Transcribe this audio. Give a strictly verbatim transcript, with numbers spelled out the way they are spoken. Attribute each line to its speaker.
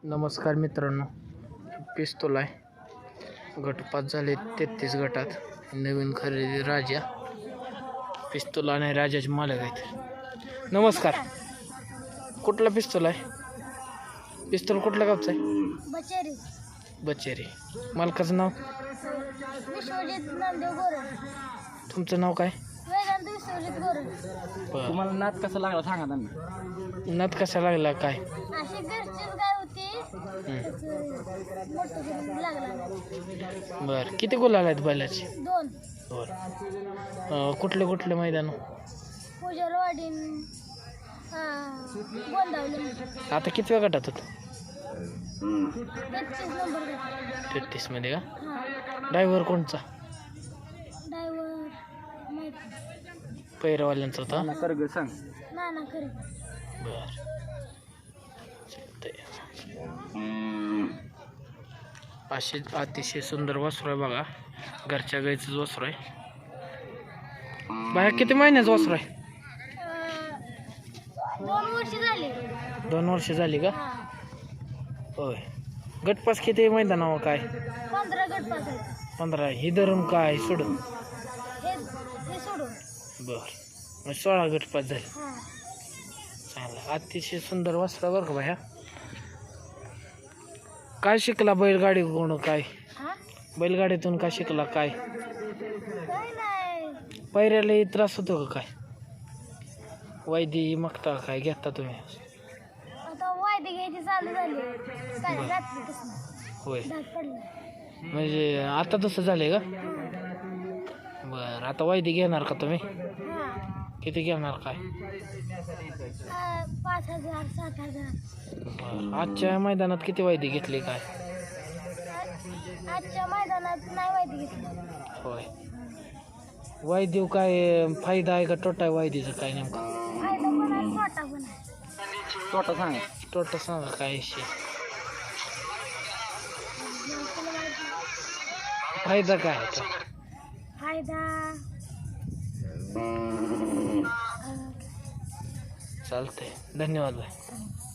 Speaker 1: नमस्कार मित्रांनो, पिस्तूल आहे. गट पाच झाले तेहतीस गटात. नवीन खरेदी राजा पिस्तूल आणि राजाचे मालक आहेत. नमस्कार. कुठला पिस्तूल आहे? पिस्तूल कुठल्या गावचा आहे?
Speaker 2: बचेरी
Speaker 1: बचेरी. मालकाचं नाव?
Speaker 2: विश्वजित नामदेव गोरे.
Speaker 1: तुमचं नाव काय?
Speaker 2: वेदांत विश्वजित गोरे.
Speaker 1: बरं.
Speaker 3: तुम्हाला नाद कसा लागला सांगा त्यांना.
Speaker 1: नाद कसा लागला काय?
Speaker 2: अशी घरचीच गाय होती, मोठं करून लागला.
Speaker 1: बरं. किती गुलाल आहेत बैलाचे?
Speaker 2: दोन.
Speaker 1: बरं. कुठले कुठले मैदान?
Speaker 2: पूजरवाडीन गोंदावली.
Speaker 1: आता किती वेळ गटात होतं?
Speaker 2: तेहतीस नंबर गट.
Speaker 1: तेहतीस मध्ये का?
Speaker 2: हां.
Speaker 1: ड्रायव्हर कोणचा?
Speaker 2: ड्रायव्हर माहिती
Speaker 1: पैरवाल्यांचा होता?
Speaker 3: त्यांना कर ग सांग.
Speaker 2: नाना खरे.
Speaker 1: बर. असे अतिशय सुंदर वासरू आहे बघा. घरच्या गाईचंच वासरू आहे. बाया किती महिन्याचं वासरू आहे?
Speaker 2: दोन वर्ष झाली.
Speaker 1: दोन वर्ष झाली का?
Speaker 2: हां.
Speaker 1: होय. गटपास किती मैदानावर काय?
Speaker 2: पंधरा गट पास आहेत.
Speaker 1: पंधरा. ही धरून काय सोडून?
Speaker 2: हे हे सोडून.
Speaker 1: बर. मग सोळा गटपास झाले.
Speaker 2: हां.
Speaker 1: चांगला. अतिशय सुंदर वासरू आहे बरं का बाया. काय शिकला बैलगाडी कोण काय?
Speaker 2: हां.
Speaker 1: बैलगाडीतून काय शिकला काय?
Speaker 2: काय नाही.
Speaker 1: पैऱ्याला त्रास होतो का काय? वैदी मागता काय घेता तुम्ही?
Speaker 2: आता वायदे घ्यायची चालू झाली. काय रात्रीपासून
Speaker 1: होय.
Speaker 2: डाग पडला.
Speaker 1: म्हणजे आता तसं झालंय का? बरं. आता वैदी घेणार का तुम्ही?
Speaker 2: हां.
Speaker 1: किती घेणार काय?
Speaker 2: आ, पाच हजार सात हजार.
Speaker 1: बरं. आजच्या मैदानात किती वैदी घेतली काय?
Speaker 2: आ- आजच्या मैदानात नाही वायदे घेतली.
Speaker 1: होय. वैदी काय फायदा आहे का तोटा आहे वैदीचा काय नेमका?
Speaker 2: फायदा पण आहे तोटा पण आहे.
Speaker 3: तोटा सांगा.
Speaker 1: तोटा सांगा काय विषय?
Speaker 2: तुला माहिती?
Speaker 1: फायदा काय आहे तो?
Speaker 2: फायदा
Speaker 1: चालतंय. धन्यवाद बाय.